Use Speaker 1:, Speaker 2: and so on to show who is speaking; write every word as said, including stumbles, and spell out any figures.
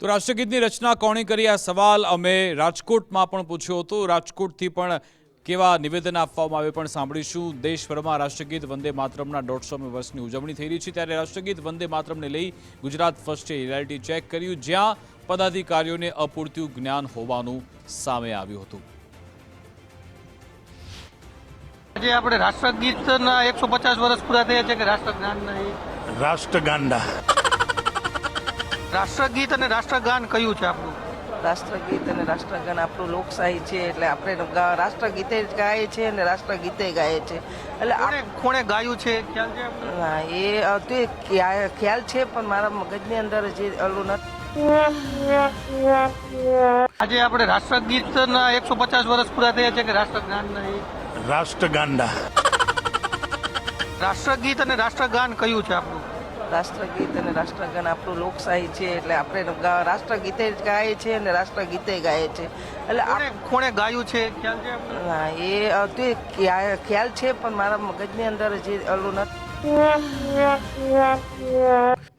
Speaker 1: તો રાષ્ટ્રગીતની રચના કોણે કરી આ સવાલ અમે રાજકોટમાં પણ પૂછ્યો હતો। રાજકોટથી પણ કેવા નિવેદન આપવામાં આવે પણ સાંભળીશું। દેશભરમાં રાષ્ટ્રગીત વંદે માતરમના દોઢસોમી વર્ષની ઉજવણી થઈ રહી છે, ત્યારે રાષ્ટ્રગીત વંદે માતરમને લઈ ગુજરાત ફર્સ્ટે રિયાલિટી ચેક કર્યું, જ્યાં પદાધિકારીઓને અપૂરતું જ્ઞાન હોવાનું સામે આવ્યું હતું।
Speaker 2: આજે આપણે રાષ્ટ્રગીતના એકસો પચાસ વર્ષ પૂરા થયા છે કે રાષ્ટ્રગાન નહીં
Speaker 3: રાષ્ટ્રગાંડા
Speaker 2: રાષ્ટ્રગીત અને રાષ્ટ્રગાન કયું છે આપણું?
Speaker 4: રાષ્ટ્રગીત અને રાષ્ટ્રગાન આપણું લોકશાહી છે, એટલે આપણે ગા- રાષ્ટ્રગીતે જ ગાય છે અને રાષ્ટ્રગીતે ગાય છે, એટલે આ-
Speaker 2: કોણે કોણે ગાયું છે ખ્યાલ છે આપણને?
Speaker 4: હા, એ અ, તે ખ્યા- ખ્યાલ છે, પણ મારા મગજની અંદર જે ઓલું નથી।
Speaker 2: આજે આપણે રાષ્ટ્રગીતના એકસો પચાસ વર્ષ પૂરા થયા છે કે રાષ્ટ્રગાન નહીં
Speaker 3: રાષ્ટ્રગાંડા
Speaker 2: રાષ્ટ્રગીત અને રાષ્ટ્રગાન કયું છે આપણું?
Speaker 4: રાષ્ટ્રગીત અને રાષ્ટ્રગાન આપણું લોકશાહી છે, એટલે આપણે ગા- રાષ્ટ્રગીતે જ ગાય છે અને રાષ્ટ્રગીતે ગાય છે, એટલે આ-
Speaker 2: કોણે કોણે ગાયું છે ખ્યાલ છે આપણને?
Speaker 4: હા, એ અ, તે ખ્યા- ખ્યાલ છે, પણ મારા મગજની અંદર જે ઓલું નથી।